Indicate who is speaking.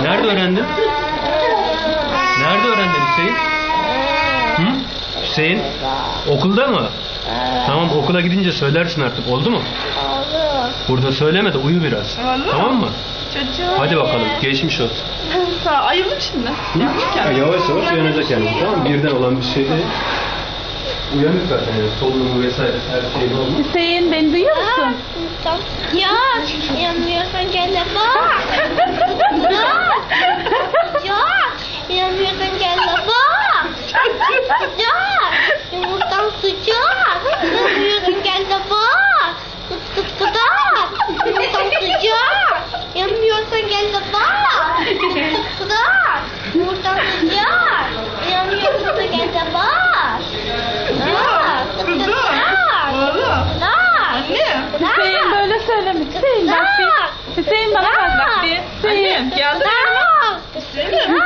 Speaker 1: Nerede öğrendin? Nerede öğrendin Hüseyin? Hı? Hüseyin? Okulda mı? Tamam, okula gidince söylersin artık, oldu mu?
Speaker 2: Oldu.
Speaker 1: Burada söyleme de uyu biraz.
Speaker 3: Oldu.
Speaker 1: Tamam mı?
Speaker 3: Çocuğum.
Speaker 1: Hadi bakalım, geçmiş olsun.
Speaker 3: Ayıldım şimdi.
Speaker 1: Yavaş yavaş uyanacak yani, tamam mı? Birden olan bir şey değil. Uyanık zaten yani, solunumu vesaire her şey normal.
Speaker 4: Hüseyin, beni duyuyor musun?
Speaker 2: Yok. İnanmıyorsan gel de bak. Yok. Yok. İnanmıyorsan gel de bak. Yok. Yumurtam sıcak. İnanmıyorsan gel de bak. Kıt kıt kıdak. Yumurtam sıcak. İnanmıyorsan gel de bak. Kıt kıt kıdak. Yumurtam sıcak. İnanmıyorsan da gel de bak. Yok. Kıt kıt kıdak.
Speaker 3: Oğlum.
Speaker 2: Kıdak.
Speaker 3: Anne.
Speaker 4: Hüseyin böyle söyleme. Hüseyin bak bir. Hüseyin bana bak bir. Hüseyin.
Speaker 3: Anne geldi mi?
Speaker 2: Kıdak.
Speaker 3: Hüseyin.